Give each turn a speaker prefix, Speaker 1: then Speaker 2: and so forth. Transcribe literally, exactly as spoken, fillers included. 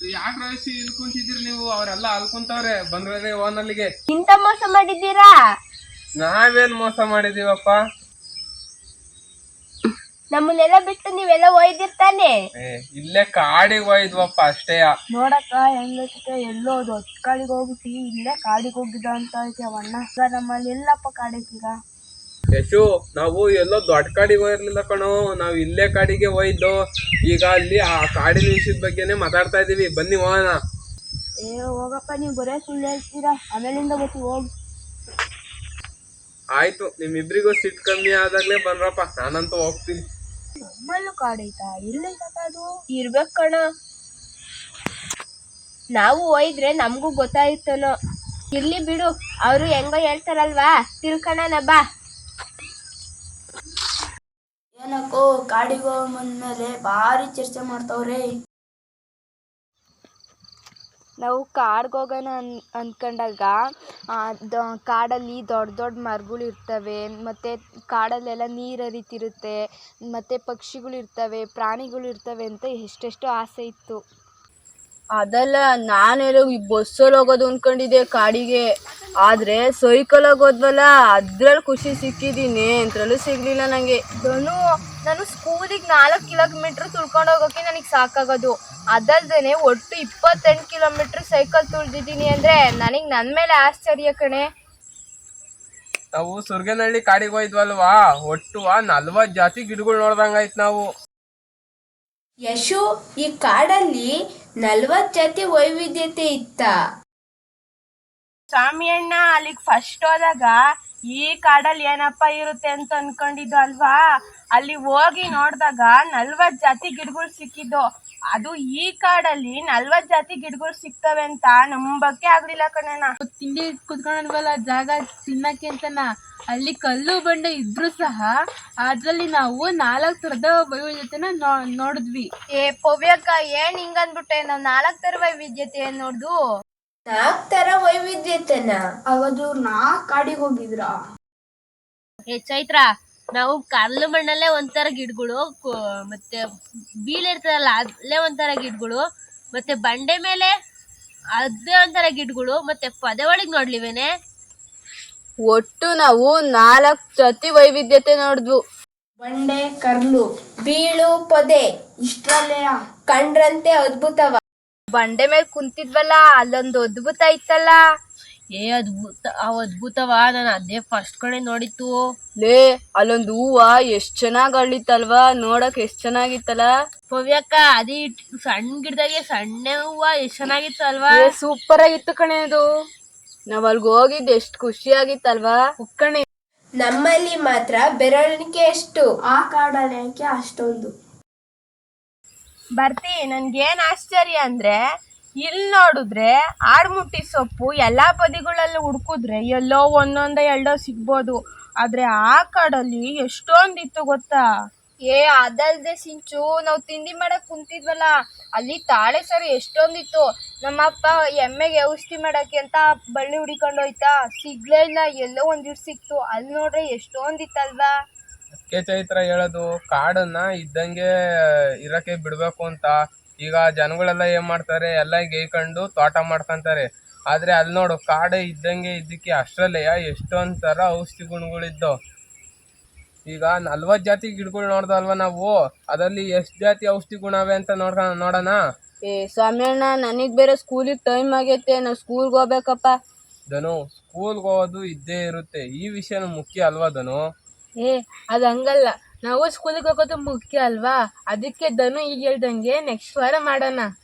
Speaker 1: ಯಾಕೆ ರಾಶಿ ಇಲ್ಲಿ ಕುಂತಿದ್ರಿ ನೀವು? ಅವರೆಲ್ಲ ಅಲ್ಕೊಂತವ್ರೆ, ಬಂದ್ರೆ ಓನಲ್ಲಿಗೆ.
Speaker 2: ಇಂತ ಮೋಸ ಮಾಡಿದ್ದೀರಾ?
Speaker 1: ನಾವೇನ್ ಮೋಸ ಮಾಡಿದೀವಪ್ಪ?
Speaker 2: ನಮ್ಮನ್ನೆಲ್ಲ ಬಿಟ್ಟು ನೀವೆಲ್ಲ ಒಯ್ದಿರ್ತಾನೆ.
Speaker 1: ಇಲ್ಲೇ ಕಾಡಿಗೆ ಒಯ್ದ್ವಪ್ಪ ಅಷ್ಟೇ.
Speaker 2: ನೋಡಕ್ಕ ಹೆಂಗೈತೆ, ಎಲ್ಲೋ ದೊಡ್ಡ ಕಾಡಿಗೆ ಹೋಗ್ಬಿಟ್ಟು ಇಲ್ಲೇ ಕಾಡಿಗೆ ಹೋಗಿದ್ದ ಅಂತ ಐತೆ ಅವಣ್ಣ. ಈಗ ನಮ್ಮಲ್ಲಿ ಎಲ್ಲಪ್ಪ ಕಾಡೈತೀಗ?
Speaker 1: ಯಶು, ನಾವು ಎಲ್ಲೋ ದೊಡ್ಡ ಕಾಡಿಗೆ ಹೋಗಿರ್ಲಿಲ್ಲ ಕಣೋ, ನಾವ್ ಇಲ್ಲೇ ಕಾಡಿಗೆ ಹೋಯ್ದು. ಈಗ ಅಲ್ಲಿ ಆ ಕಾಡಿನ ವಿಷಯದ ಬಗ್ಗೆನೆ ಮಾತಾಡ್ತಾ ಇದೀವಿ, ಬನ್ನಿ ಹೋಗೋಣ.
Speaker 2: ಏ ಹೋಗಪ್ಪ, ನೀವು ಬರೇ ಸುಳ್ಳು ಹೇಳ್ತೀರಾ, ಆಮೇಲಿಂದ ಗೊತ್ತಿ ಹೋಗಿ.
Speaker 1: ಆಯ್ತು, ನಿಮ್ಮಿಬ್ರಿಗೂ ಸಿಟ್ಟು ಕಮ್ಮಿ ಆದಾಗ್ಲೇ ಬನ್ರಪ್ಪ, ನಾನಂತೂ ಹೋಗ್ತೀನಿ.
Speaker 2: ನಮ್ಮಲ್ಲೂ ಕಾಡೈತಾ? ಎಲ್ಲೈತ ಅದು? ಇರ್ಬೇಕು ಕಣ, ನಾವು ಒಯ್ದ್ರೆ ನಮಗೂ ಗೊತ್ತಾಯ್ತನೋ. ಇರ್ಲಿ ಬಿಡು, ಅವರು ಹೆಂಗೋ ಹೇಳ್ತಾರಲ್ವಾ, ತಿಳ್ಕಣ ಬಾ.
Speaker 3: ಏನಕ್ಕೋ ಕಾಡಿಗೆ ಹೋಗೋ ಮುಂದ್ಮೇಲೆ ಭಾರಿ ಚರ್ಚೆ ಮಾಡ್ತಾವ್ರೆ.
Speaker 2: ನಾವು ಕಾಡ್ಗೆ ಹೋಗೋಣ ಅನ್ ಅಂದ್ಕೊಂಡಾಗ ಕಾಡಲ್ಲಿ ದೊಡ್ಡ ದೊಡ್ಡ ಮರಗಳು ಇರ್ತವೆ, ಮತ್ತು ಕಾಡಲ್ಲೆಲ್ಲ ನೀರು ಹರಿತಿರುತ್ತೆ, ಮತ್ತು ಪಕ್ಷಿಗಳು ಇರ್ತವೆ, ಪ್ರಾಣಿಗಳು ಇರ್ತವೆ ಅಂತ ಎಷ್ಟೆಷ್ಟು ಆಸೆ ಇತ್ತು.
Speaker 3: ಅದಲ್ಲ, ನಾನೆಲ್ಲ ಈ ಬಸ್ಸಲ್ಲಿ ಹೋಗೋದು ಅಂದ್ಕೊಂಡಿದ್ದೆ ಕಾಡಿಗೆ, ಆದರೆ ಸೈಕಲ್ ಹೋಗೋದ್ವಲ್ಲ ಅದ್ರಲ್ಲಿ ಖುಷಿ ಸಿಕ್ಕಿದ್ದೀನಿ, ಅಂತರಲ್ಲೂ ಸಿಗಲಿಲ್ಲ ನನಗೆ.
Speaker 2: ಧನು, ನಾನು ಸ್ಕೂಲಿಗೆ ನಾಲ್ಕು ಕಿಲೋಮೀಟ್ರ್ ತುಳ್ಕೊಂಡು ಹೋಗೋಕ್ಕೆ ನನಗೆ ಸಾಕಾಗೋದು, ಅದಲ್ದೇ ಒಟ್ಟು ಇಪ್ಪತ್ತೆಂಟು ಕಿಲೋಮೀಟ್ರ್ ಸೈಕಲ್ ತುಳಿದಿದ್ದೀನಿ ಅಂದರೆ ನನಗೆ ನನ್ನ ಮೇಲೆ ಆಶ್ಚರ್ಯ ಕಣೆ.
Speaker 1: ನಾವು ಸುರ್ಗನಹಳ್ಳಿ ಕಾಡಿಗೆ ಹೋಯ್ದ್ವಲ್ವಾ, ಒಟ್ಟು ನಲ್ವತ್ತು ಜಾತಿ ಗಿಡಗಳು ನೋಡ್ದಂಗಾಯ್ತು ನಾವು.
Speaker 3: ಯಶು, ಈ ಕಾಡಲ್ಲಿ ನಲ್ವತ್ತು ಜಾತಿ ವೈವಿಧ್ಯತೆ ಇತ್ತ?
Speaker 2: ಸ್ವಾಮಿ ಅಣ್ಣ, ಅಲ್ಲಿಗೆ ಫಸ್ಟ್ ಹೋದಾಗ ಈ ಕಾಡಲ್ಲಿ ಏನಪ್ಪ ಇರುತ್ತೆ ಅಂತ ಅನ್ಕೊಂಡಿದ್ದು ಅಲ್ವಾ, ಅಲ್ಲಿ ಹೋಗಿ ನೋಡಿದಾಗ ನಲ್ವತ್ತು ಜಾತಿ ಗಿಡಗಳು ಸಿಕ್ಕಿದ್ದು. ಅದು ಈ ಕಾಡಲ್ಲಿ ನಲ್ವತ್ತು ಜಾತಿ ಗಿಡಗಳು ಸಿಗ್ತವೆ ಅಂತ ನಂಬಕ್ಕೆ ಆಗ್ಲಿಲ್ಲ ಕಣಣ್ಣ.
Speaker 4: ತಿಂಡಿ ಕುತ್ಕೊಂಡ್ವಲ್ಲ ಜಾಗ ತಿನ್ನಕ್ಕೆ ಅಂತನ, ಅಲ್ಲಿ ಕಲ್ಲು ಬಂಡೆ ಇದ್ರೂ ಸಹ ಅದ್ರಲ್ಲಿ ನಾವು ನಾಲ್ಕು ಥರದ ವೈವಿಧ್ಯತೆನ ನೋ ನೋಡಿದ್ವಿ.
Speaker 2: ಏ ಪವ್ಯಕ್ಕ, ಏನ್ ಹಿಂಗಂದ್ಬಿಟ್ಟೆ, ನಾವು ನಾಲ್ಕು ಥರ ವೈವಿಧ್ಯತೆ ನೋಡ್ದು.
Speaker 3: ನಾಲ್ಕು ತರ ವೈವಿಧ್ಯತೆನ?
Speaker 4: ಅವಾದ್ರು ನಾಲ್ಕು ಕಾಡಿಗೆ ಹೋಗಿದ್ರ?
Speaker 2: ಏ ಚೈತ್ರ, ನಾವು ಕಲ್ಲು ಮಣ್ಣಲ್ಲೇ ಒಂಥರ ಗಿಡಗಳು, ಮತ್ತೆ ಬೀಳೆ ಇರ್ತದಲ್ಲ ಅಲ್ಲೇ ಒಂಥರ ಗಿಡಗಳು, ಮತ್ತೆ ಬಂಡೆ ಮೇಲೆ ಅದೇ ಒಂಥರ ಗಿಡಗಳು, ಮತ್ತೆ ಪೊದೆ ಒಳಗೆ ನೋಡ್ಲಿವೇನೆ.
Speaker 3: ಒಟ್ಟು ನಾವು ನಾಲ್ಕು ಜಾತಿ ವೈವಿಧ್ಯತೆ ನೋಡಿದ್ವು.
Speaker 4: ಬಂಡೆ, ಕರ್ಲು,
Speaker 3: ಬೀಳು, ಪೊದೆ ಇಷ್ಟರಲ್ಲೇ ಕಂಡ್ರಂತೆ ಅದ್ಭುತವ.
Speaker 2: ಬಂಡೆ ಮೇಲೆ ಕುಂತಿದ್ವಲ್ಲ, ಅಲ್ಲೊಂದು ಅದ್ಭುತ ಇತ್ತಲ್ಲ. ಏ ಅದ್ಭುತ, ಅವ್ ಅದ್ಭುತವ, ನಾನು ಅದೇ ಫಸ್ಟ್ ಕಡೆ ನೋಡಿತ್ತು.
Speaker 3: ಲೇ, ಅಲ್ಲೊಂದು ಹೂವ ಎಷ್ಟ್ ಚೆನ್ನಾಗ್ ಅಳ್ಳಿತ್ತಲ್ವಾ, ನೋಡಕ್ ಎಷ್ಟ್ ಚೆನ್ನಾಗಿತ್ತಲ್ಲ.
Speaker 2: ಪವ್ಯಕ್ಕ, ಅದೇ ಸಣ್ಣ ಗಿಡದಾಗೆ ಸಣ್ಣ ಹೂವ ಎಷ್ಟ್ ಚೆನ್ನಾಗಿತ್ತು ಅಲ್ವಾ?
Speaker 3: ಸೂಪರ್ ಆಗಿತ್ತು ಕಣೆ ಅದು. ನಾವ್ ಅಲ್ಗ ಹೋಗಿದ್ದು ಎಷ್ಟ್ ಖುಷಿ ಆಗಿತ್ತಲ್ವಾ
Speaker 4: ಕಣೆ.
Speaker 3: ನಮ್ಮಲ್ಲಿ ಮಾತ್ರ ಬೆರಳಿಕೆ ಎಷ್ಟು,
Speaker 4: ಆ ಕಾಡಲ್ಲಿ ಯಾಕೆ ಅಷ್ಟೊಂದು?
Speaker 2: ಬರ್ತಿ, ನನ್ಗೇನ್ ಆಶ್ಚರ್ಯ ಅಂದ್ರೆ, ಇಲ್ಲಿ ನೋಡಿದ್ರೆ ಆಡ್ಮುಟ್ಟಿ ಸೊಪ್ಪು ಎಲ್ಲಾ ಬದಿಗಳಲ್ಲಿ ಹುಡ್ಕುದ್ರೆ ಎಲ್ಲೋ ಒಂದೊಂದ ಎರಡೋ ಸಿಗ್ಬೋದು, ಆದ್ರೆ ಆ ಕಾಡಲ್ಲಿ ಎಷ್ಟೊಂದಿತ್ತು ಗೊತ್ತಾ? ಏ ಅದಲ್ದೆ ಸಿಂಚು, ನಾವು ತಿಂಡಿ ಮಾಡಕ್ ಕುಂತಿದ್ವಲ್ಲ, ಅಲ್ಲಿ ತಾಳೆ ಸರಿ ಎಷ್ಟೊಂದಿತ್ತು. ನಮ್ಮಪ್ಪ ಎಮ್ಮೆಗೆ ಔಷಧಿ ಮಾಡಕ್ಕೆ ಅಂತ ಬಳ್ಳಿ ಹುಡಿಕೊಂಡು ಹೋಯ್ತಾ, ಸಿಗ್ಲೇ ಇಲ್ಲ, ಎಲ್ಲೋ ಒಂದಿಟ್ಟು ಸಿಕ್ತು. ಅಲ್ಲಿ ನೋಡ್ರೆ ಎಷ್ಟೊಂದಿತ್ತಲ್ವಾ?
Speaker 1: ಅದಕ್ಕೆ ಚೈತ್ರ ಹೇಳೋದು, ಕಾಡನ್ನ ಇದ್ದಂಗೆ ಇರಕ್ಕೆ ಬಿಡ್ಬೇಕು ಅಂತ. ಈಗ ಜನಗಳೆಲ್ಲ ಏನ್ ಮಾಡ್ತಾರೆ, ಎಲ್ಲ ಗೇಯ್ಕೊಂಡು ತೋಟ ಮಾಡ್ಕೊಂತಾರೆ, ಆದ್ರೆ ಅಲ್ಲಿ ನೋಡು ಕಾಡು ಇದ್ದಂಗೆ ಇದ್ದಕ್ಕೆ ಅಷ್ಟ್ರಲ್ಲೇ ಎಷ್ಟೊಂದ್ ತರ ಔಷಧಿ ಗುಣಗಳಿದ್ದು. ಈಗ ನಲ್ವತ್ತು ಜಾತಿ ಗಿಡಗಳು ನೋಡ್ದಲ್ವಾ ನಾವು, ಅದರಲ್ಲಿ ಎಷ್ಟ್ ಜಾತಿ ಔಷಧಿ ಗುಣವೆ ಅಂತ ನೋಡ್ಕ ನೋಡೋಣ.
Speaker 3: ಏ ಸ್ವಾಮಿ ಅಣ್ಣ, ನನಗ್ ಬೇರೆ ಸ್ಕೂಲಿಗೆ ಟೈಮ್ ಆಗೈತೆ, ನಾವು ಸ್ಕೂಲ್ಗೆ ಹೋಗ್ಬೇಕಪ್ಪ.
Speaker 1: ಧನು, ಸ್ಕೂಲ್ಗೆ ಹೋಗೋದು ಇದ್ದೇ ಇರುತ್ತೆ, ಈ ವಿಷಯನೂ ಮುಖ್ಯ ಅಲ್ವಾ ಧನು?
Speaker 4: ಏ ಅದು ಹಂಗಲ್ಲ, ನಾವು ಸ್ಕೂಲಿಗೆ ಹೋಗೋದು ಮುಖ್ಯ ಅಲ್ವಾ, ಅದಕ್ಕೆ ಧನು ಈಗ ಹೇಳ್ದಂಗೆ ನೆಕ್ಸ್ಟ್ ವಾರ ಮಾಡೋಣ.